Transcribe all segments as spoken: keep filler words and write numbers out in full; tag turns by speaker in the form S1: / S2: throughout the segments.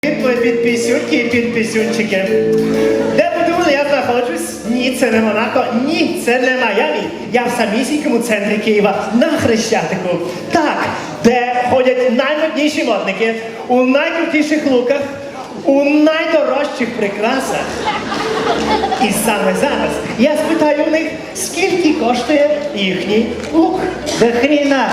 S1: Підписюнки і підписюнчики. Де ви думали, я знаходжусь? Ні, це не Монако, ні, це не Майамі. Я в самісінькому центрі Києва, на Хрещатику. Так, де ходять наймодніші модники, у найкрутіших луках, у найдорожчих прикрасах. І саме зараз я спитаю у них, скільки коштує їхній лук.
S2: До хріна.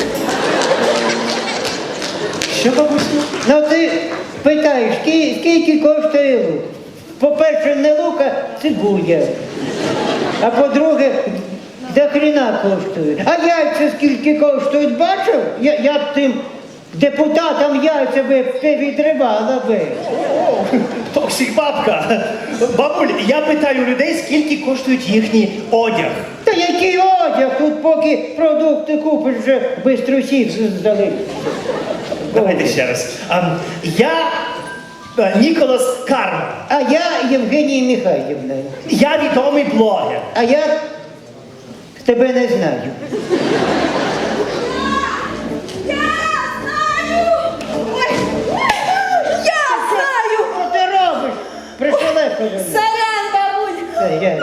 S1: Що, бабусю?
S2: Ну ти питаєш, ски- скільки коштує лук? По-перше, не лук, а цибуля. А по-друге, до хріна коштує. А яйця скільки коштують, бачив? Я, я б тим депутатам яйця би відривала би.
S1: Токсик бабка. Бабуль, я питаю людей, скільки коштують їхній одяг.
S2: Та який одяг? Тут поки продукти купиш, вже бистро сів здали.
S1: Давайте ще раз. А, я а, Ніколас Карм.
S2: А я Євгенія Михайлівна.
S1: Я відомий блогер.
S2: А я тебе не знаю.
S3: Я знаю!
S2: Що ти робиш? Пришелепили.
S3: Сорян, бабуль!
S2: Це я.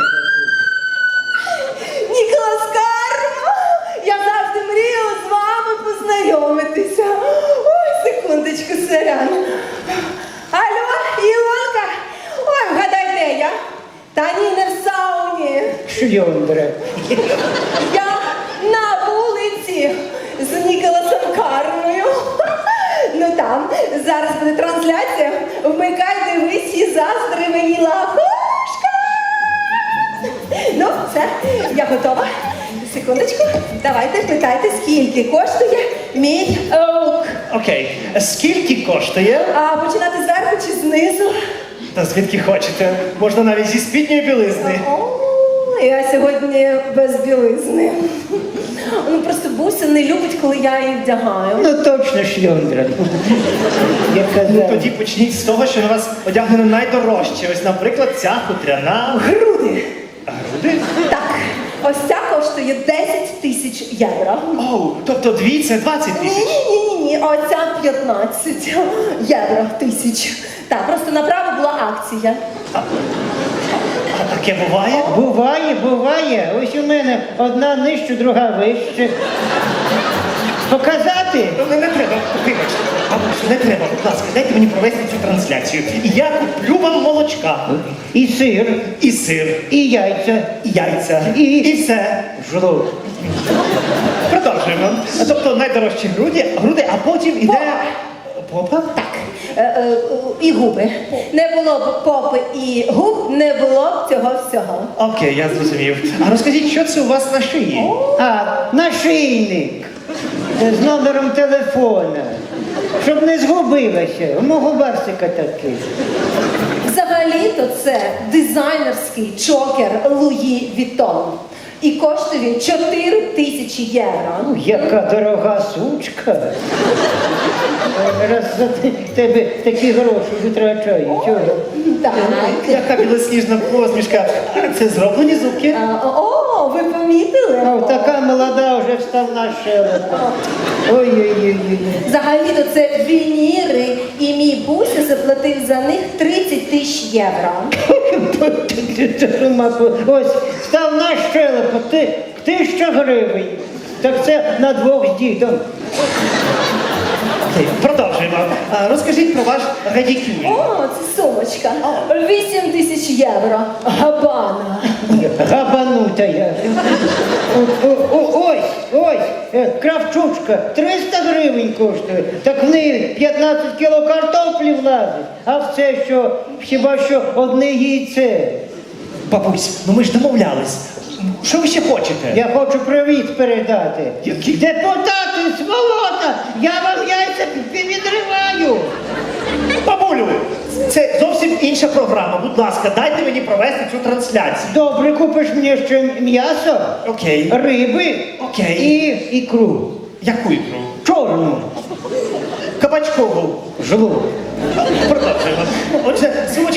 S3: Ніколас Карма! Я завжди мріяла з вами познайомитися. Ой, секундочку, сорян. Алло, Ілонка! Ой, вгадай, де я? Та ні, не в сауні.
S2: Шльондра.
S3: Я на вулиці з Ніколасом Кармою. Ну там, зараз буде трансляція. Вмикай, дивись і заздри мені лахушка. Ну, все, я готова. Секундочку, давайте питайте, скільки коштує мій лук.
S1: Окей. Скільки коштує?
S3: А починати зверху чи знизу?
S1: Та звідки хочете? Можна навіть зі спідньої білизни.
S3: О, я сьогодні без білизни. Ну просто Буся не любить, коли я її вдягаю.
S2: Ну точно шльондра. Я
S1: Ну
S2: казав.
S1: тоді почніть з того, що на вас одягнено найдорожче. Ось, наприклад, ця хутряна.
S3: Груди.
S1: Груди?
S3: Так, ось ця коштує десять тисяч євро.
S1: Оу, тобто дві це двадцять тисяч.
S3: Ні-ні-ні, а оця п'ятнадцять євро тисяч. Так, просто направо була акція.
S1: А таке буває?
S2: Буває, буває. Ось у мене одна нижче, друга вище. Показати?
S1: Ну, не, не треба, вибачте. Бабусю, не треба, будь ласка, дайте мені провести цю трансляцію. І я куплю вам молочка.
S2: І сир,
S1: І сир,
S2: і яйця,
S1: і яйця,
S2: І-
S1: і все.
S2: жлоб.
S1: Продовжуємо. Тобто найдорожчі груди, груди, а потім іде... Попа?
S3: Так, е, е, і губи. Не було б попи і губ, не було б цього всього.
S1: Окей, я зрозумів. А розкажіть, що це у вас на шиї?
S2: А, нашийник з номером телефона. Щоб не згубилася. У мого барсика такий.
S3: Взагалі-то це дизайнерський чокер Луї Вітон. І коштує він чотири тисячі євро.
S2: Ну, яка дорога сучка. Раз за те- тебе такі гроші витрачаю. Чого?
S3: Так.
S1: Яка білосніжна посмішка. Це зроблені зубки?
S3: А, О, ви помітили?
S2: А така молода вже вставна щелепа. Ой-ой-ой.
S3: Взагалі-то це вініри, і мій Буся заплатив за них тридцять тисяч євро.
S2: Ось, вставна щелепа, ти, тисяча гривень. Так це на двох з дідом.
S1: Окей, продовжуємо. А, розкажіть про ваш радікюль.
S3: О, це сумочка. вісім тисяч євро. Габана.
S2: Габанута я. О- о- о- Ось, ось, е, кравчучка, триста гривень коштує. Так в неї п'ятнадцять кіло картоплі влазить. А в це що, хіба що одне яйце.
S1: Бабусь, ну ми ж домовлялись. Що ви ще хочете?
S2: Я хочу привіт передати.
S1: Який?
S2: Депутати, сволота, я вам яйця відриваю.
S1: Бабулю, це зовсім інша програма. Будь ласка, дайте мені провести цю трансляцію.
S2: Добре, купиш мені ще м'ясо,
S1: Окей.
S2: риби
S1: Окей.
S2: і ікру.
S1: Яку ікру?
S2: Чорну.
S1: Кабачкову.
S2: Жлоб.
S1: Продовжуємо. Отже, сумочка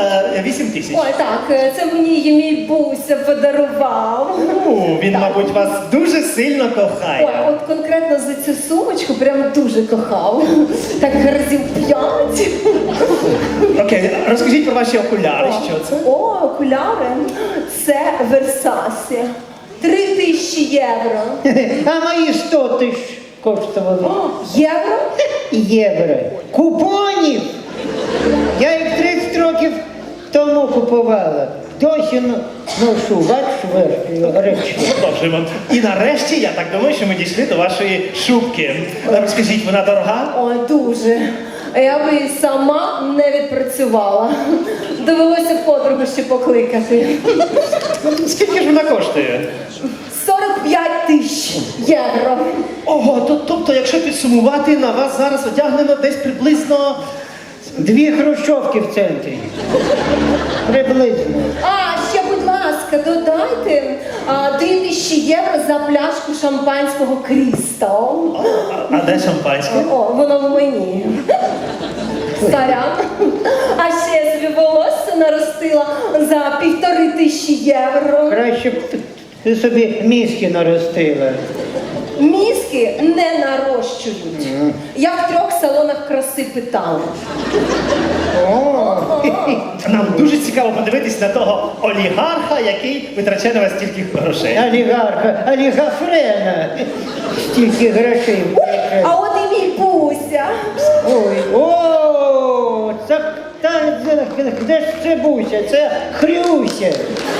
S1: е, вісім тисяч.
S3: Ой, так, е, це мені її мій Буся подарував.
S1: Ну, він, мабуть, вас дуже сильно
S3: Ой,
S1: кохає.
S3: от конкретно за цю сумочку прям дуже кохав. Так разів п'ять.
S1: Окей, розкажіть про ваші окуляри, що це?
S3: О, окуляри. Це Версасі. Три тисячі євро.
S2: А мої сто тисяч коштували.
S3: О, євро?
S2: Євро. Купонів! Я їх тридцять років тому купувала. Досі но- ношу, бачиш, речі.
S1: Продовжуємо. І нарешті, я так думаю, що ми дійшли до вашої шубки. Розкажіть, вона дорога?
S3: Ой, дуже. Я би і сама не відпрацювала. Довелося подругу ще покликати.
S1: Скільки ж вона коштує?
S3: сорок п'ять тисяч євро.
S1: Ого, то, тобто, якщо підсумувати, на вас зараз одягнено десь приблизно...
S2: Дві хрущовки в центрі. Приблизно.
S3: А, ще, будь ласка, додайте а, три тисячі євро за пляшку шампанського Крістал.
S1: А, а де шампанське?
S3: О, воно в мені. Сорян. А ще я собі волосся наростила за півтори тисячі євро.
S2: Краще б ти собі мізки наростила.
S3: Мізки не нарощують. Я в трьох салонах краси питала.
S2: О,
S1: Нам дуже цікаво подивитись на того олігарха, який витрачає на вас стільки грошей.
S2: олігарха, олігафрена. Стільки грошей.
S3: А от і мій Буся.
S2: Ой, о, це, та, де ж це Буся? Це Хрюся.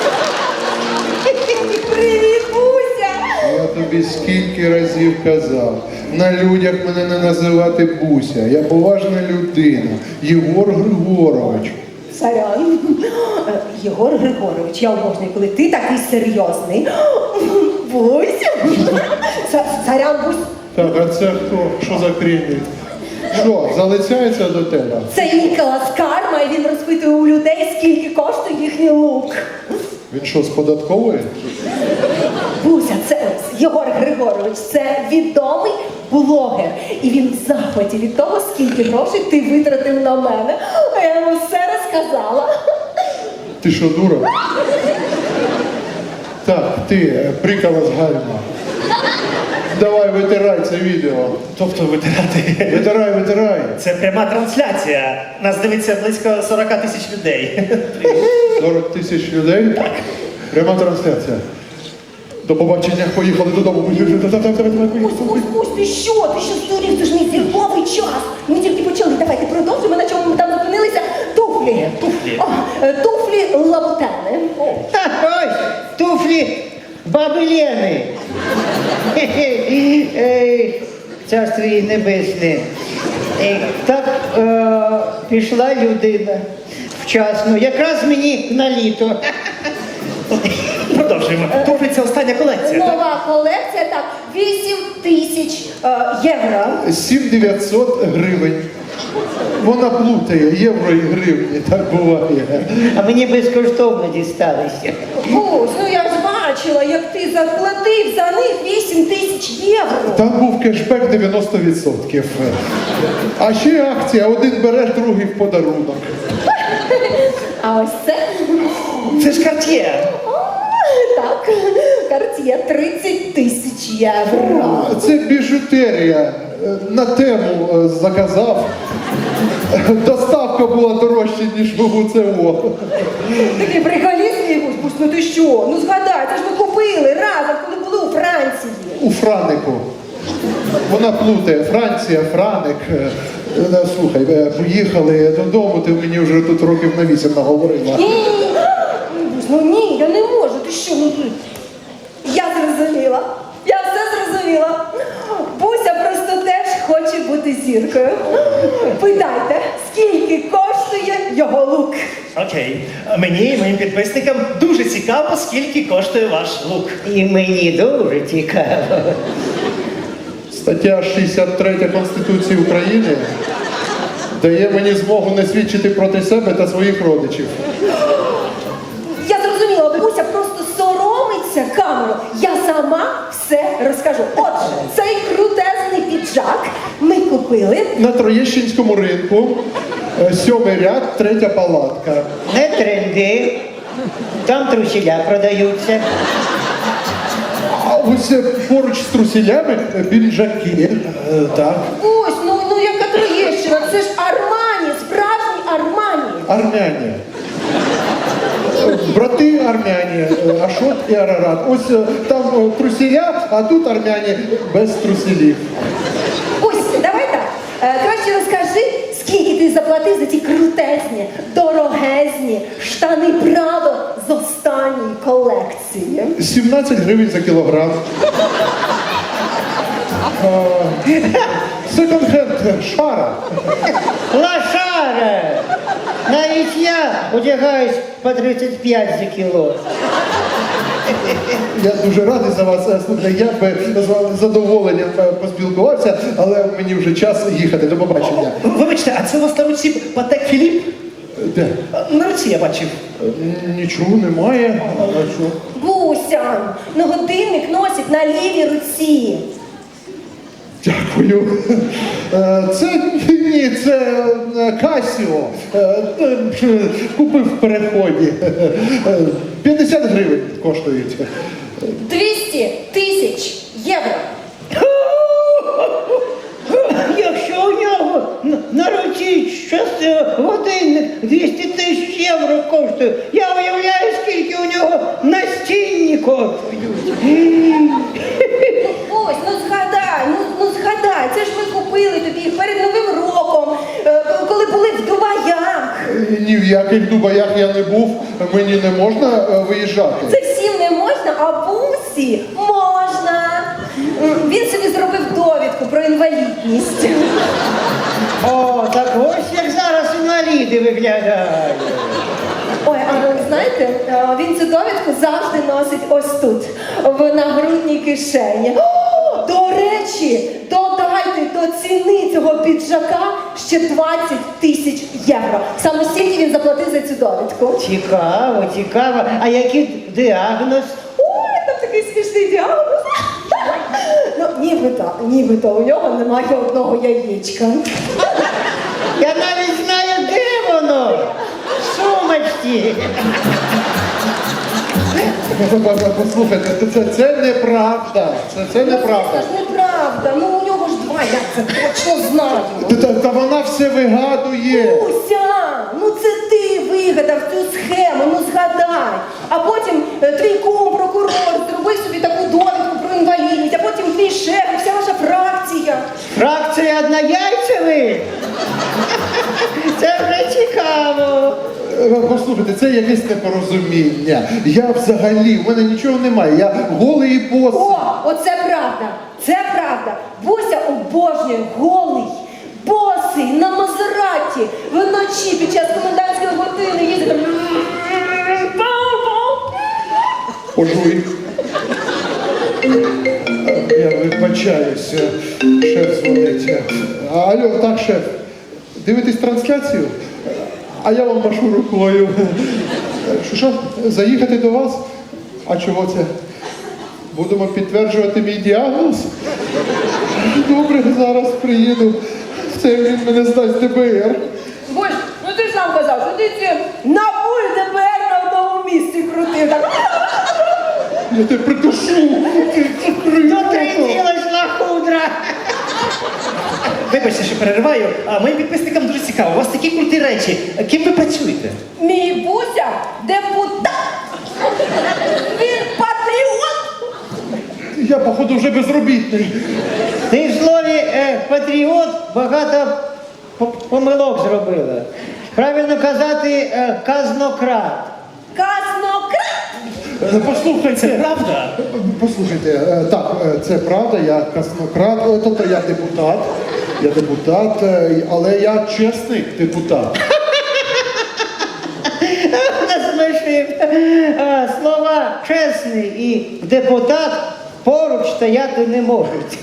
S3: Привіт, Буся!
S4: Я тобі скільки разів казав, на людях мене не називати Буся. Я поважна людина. Єгор Григорович.
S3: Сорян. Е, Єгор Григорович, я обожнюю, коли ти такий серйозний. Буся. Са- Сорян, Бусь.
S4: Так, а це хто? Що за крінь? Що, залицяється до тебе?
S3: Це Ніколас Карма, і він розпитує у людей, скільки коштує їхній лук.
S4: Він що, з податкової?
S3: Буся, це Єгор Григорович, це відомий блогер. І він в захваті від того, скільки грошей ти витратив на мене. А я йому все розказала.
S4: Ти що, дура? Так, ти, прикола з гальма. Давай, витирай це відео.
S1: Тобто витирати.
S4: Витирай, витирай.
S1: Це пряма трансляція. Нас дивиться близько сорок тисяч людей.
S4: сорок тисяч людей? Так. Пряма трансляція. До побачення, поїхали додому.
S3: Бусь, Бусь, Бусь, ти що? Ти що здурів? Це ж мій зірковий час. Ми тільки почали. Давайте продовжимо, на чому ми там зупинилися. Туфлі.
S1: Туфлі.
S3: О, е, туфлі лабутени.
S2: Ха, ось, туфлі баби Лени. Хе-хе. Ей, Царство їй небесне. Ей, Так е, пішла людина вчасно, якраз мені на літо.
S1: Продовжуємо. Туфлі це остання колекція. так?
S3: Нова колекція, так, вісім тисяч е, євро.
S4: сім дев'ятсот гривень. Вона плутає євро і гривні, так буває.
S2: А мені безкоштовно дісталися.
S3: Бусь, ну я ж бачила, як ти заплатив за них вісім тисяч євро.
S4: Там був кешбек дев'яносто відсотків. А ще акція, один береш, другий в подарунок.
S3: А ось це,
S1: Це ж Cartier.
S3: так, Cartier тридцять тисяч євро.
S4: Це біжутерія. На тему е, заказав. Доставка була дорожча, ніж в УЦО.
S3: Такий приколіст, мій Бусь, Бусь, ну ти що? Ну згадай, це ж ми купили разом, коли були у Франції.
S4: У Франику. Вона плутає. Франція, Франик. Е, е, Слухай, е, поїхали додому, ти мені вже тут років на вісім наговорила.
S3: Ні, ні, ні. Бусь, ну ні, я не можу, ти що? Ну, ти- я зрозуміла, я все зрозуміла. Буся просто теж хоче бути зіркою. Питайте, скільки коштує його лук?
S1: Окей. Мені і моїм підписникам дуже цікаво, скільки коштує ваш лук.
S2: І мені дуже цікаво.
S4: Стаття шістдесят три Конституції України дає мені змогу не свідчити проти себе та своїх родичів.
S3: Я зрозуміла, бабуся просто соромиться камеру. Я сама все розкажу. Отже, цей крутезний піджак ми купили.
S4: На Троєщинському ринку Е, Сьомий ряд, третя палатка.
S2: Не тренди. Там трусіля продаються.
S4: А ось е, поруч з трусілями е, піджаки. Е, Так.
S3: Ось, ну, ну яка Троєщина, це ж Армані, справжній Армані.
S4: Армяні. Е, Брати армяні, е, Ашот і Арарат. Ось е, там е, трусіля, а тут армяні без трусілів.
S3: Ось, давай так. Е, краще розкажи, скільки ти заплатив за ті крутезні, дорогезні штани Прадо з останньої колекції.
S4: сімнадцять гривень за кілограм. Секонд-хенд шара.
S2: Лошара! Навіть я одягаюсь по тридцять п'ять за кіло.
S4: Я дуже радий за вас. Е, Слухайте, я би з вами з задоволенням е, поспілкувався, але мені вже час їхати. До побачення.
S1: Вибачте, а це у вас на руці Патек Філіп?
S4: Де?
S1: На руці я бачив.
S4: Е, Нічого немає. А що?
S3: Буся, ну годинник носить на лівій руці.
S4: Дякую. Е, Це ні, це е, Касіо. Е, е, Купив в переході. Е, п'ятдесят гривень коштують.
S3: двісті тисяч євро.
S2: Якщо у нього на- на руці щось е, годинник двісті тисяч євро коштує, я уявляю, скільки у нього настінні коштують.
S3: Ось, ну згадай, ну, ну згадай, це ж ми купили тобі їх перед Новим роком, е, коли були в Дубаях.
S4: Ні в яких Дубаях я не був, мені не можна е, виїжджати.
S3: Це всім не можна, а Бусі можна. М, Він собі зробив довідку про інвалідність.
S2: О, так ось як зараз інваліди виглядають.
S3: Ой, а ви знаєте, е, він цю довідку завжди носить ось тут, в нагрудній кишені. О, до речі, додайте до ціни цього піджака ще двадцять тисяч євро. Саме стільки він заплатив за цю довідку.
S2: Цікаво, цікаво. А який діагноз?
S3: Ой, там такий смішний діагноз. Ну, нібито, нібито у нього немає одного яєчка.
S2: Я навіть знаю, де воно. В сумочці.
S4: Послухайте, це, це, це неправда. Це, це неправда.
S3: Це ж неправда. Ну у нього ж два, я це точно знаю.
S4: Та, та, та вона все вигадує.
S3: Уся, ну це ти вигадав цю схему, ну згадай. А потім е, твій кум, прокурор, зробив собі таку довідку про інвалідність, а потім твій шеф, і вся ваша фракція.
S2: Фракція однояйцевих? Це вже цікаво.
S4: Е, Послухайте, це якесь непорозуміння. Я взагалі, в мене нічого немає. Я голий і босий.
S3: О, оце правда, це правда. Буся обожнює голий, босий, на Мазераті, вночі під час комендантської години їздить. там.
S4: Пожуй. Я вибачаюся. Шеф дзвонить. Алло, так, шеф. Дивитесь трансляцію? А я вам машу рукою. Що, що? Заїхати до вас? А чого це? Будемо підтверджувати мій діагноз? Добре, зараз приїду. Це він мене здасть ді би ер.
S3: Боже, ну ти ж сам казав, що ти ці на пульт ді би ер на одному місці крутив. Так.
S4: Я тебе придушу.
S2: Дотриділась лахудра.
S1: Вибачте, що перериваю, а моїм підписникам дуже цікаво. У вас такі круті речі. Ким ви працюєте?
S3: Мій Буся депутат. Він патріот.
S4: Я, походу, вже безробітний.
S2: Ти в слові е, патріот багато по- помилок зробила. Правильно казати е, казнократ.
S3: Казнократ.
S4: Е, Послухайте.
S1: Це правда?
S4: Послухайте, е, так, е, це правда, я казнократ, е, тобто я депутат, я депутат, е, але я чесний депутат.
S2: Насмішив. Е, Слова чесний і депутат поруч стояти не можуть.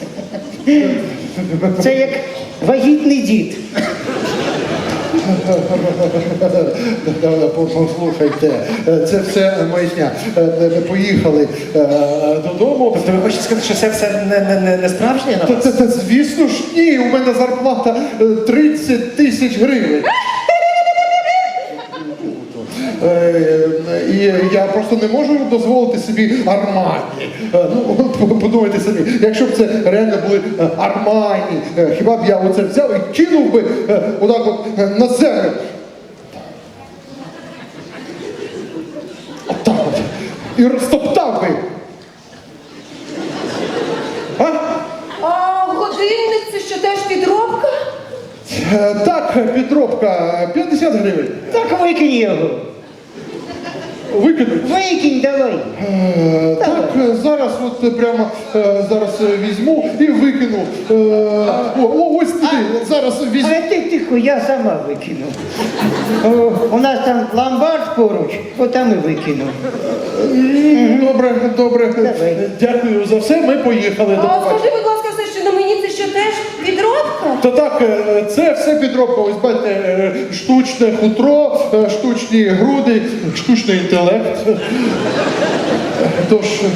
S2: Це як вагітний дід.
S4: Послухайте, е, це все маячня. Е, е, Поїхали е, додому.
S1: Тобто ви хочете сказати, що це все не, не, не, не справжнє на
S4: Та,
S1: вас?
S4: та, та, звісно ж, ні, у мене зарплата е, тридцять тисяч гривень. я просто не можу дозволити собі Армані. Е, Ну, от подумайте самі, якщо б це реально були е, Армані, е, хіба б я оце взяв і кинув би е, отак от е, на землю. Отак от. І розтоптав би. А?
S3: А годинник це що теж підробка?
S4: Е, Так, підробка, п'ятдесят гривень.
S2: Так викинь його.
S4: Викинуть.
S2: Викинь давай.
S4: Е, Так, е, зараз от е, прямо е, зараз е, візьму і викину. Е, О, о, ось туди, зараз візьму.
S2: А ти тихо, я сама викину. О, у нас там ломбард поруч, отам і викину.
S4: М, Добре, добре.
S2: Давай.
S4: Дякую за все. Ми поїхали. До
S3: А
S4: побачення.
S3: скажи, будь ласка, все, що на мені це що теж підробка?
S4: Та так, е, це все підробка. Ось бачите, е, штучне хутро, е, штучні груди, штучний інтелект. Е, Тож, е,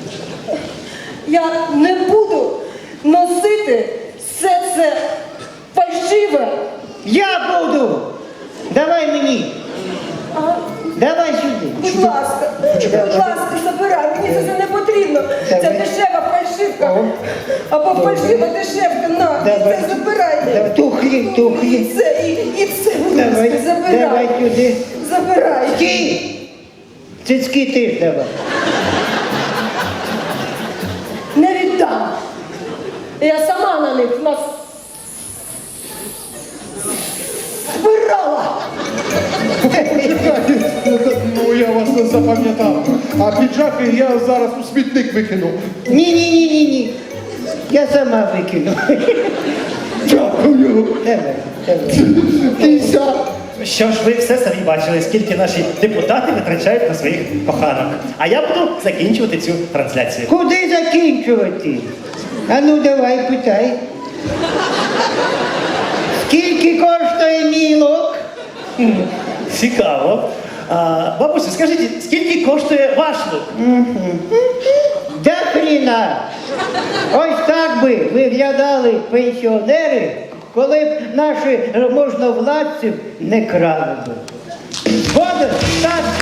S3: Я не буду носити все це фальшиве.
S2: Я буду! Давай мені!
S3: А,
S2: Давай сюди!
S3: будь ласка, будь ласка, забирай, мені це все не потрібно. Це
S2: Давай.
S3: дешева фальшивка.
S2: О.
S3: Або фальшива дешевка, на, і
S2: Давай.
S3: це забирай.
S2: Давай, тухлі,
S3: І
S2: тухлі.
S3: це, і, і це, будь
S2: Давай,
S3: ласка, забирай.
S2: давай сюди.
S3: Забирай.
S2: Ті! Цицьки теж давай.
S3: Не віддам. Я сама на них нас збирала.
S4: чекайте, ну я вас не запам'ятав. А піджаки я зараз у смітник викину.
S2: Ні-ні-ні-ні-ні. Я сама викину.
S4: Дякую.
S2: Давай, давай.
S4: Кися.
S1: Що ж, ви все самі бачили, скільки наші депутати витрачають на своїх коханок. А я буду закінчувати цю трансляцію.
S2: Куди закінчувати? А ну давай, питай. Скільки коштує мій лук?
S1: Цікаво. А, бабусю, скажіть, скільки коштує ваш лук?
S2: Да хріна! Ось так би виглядали пенсіонери, коли б наші можновладці не крали би. Згоден? Так.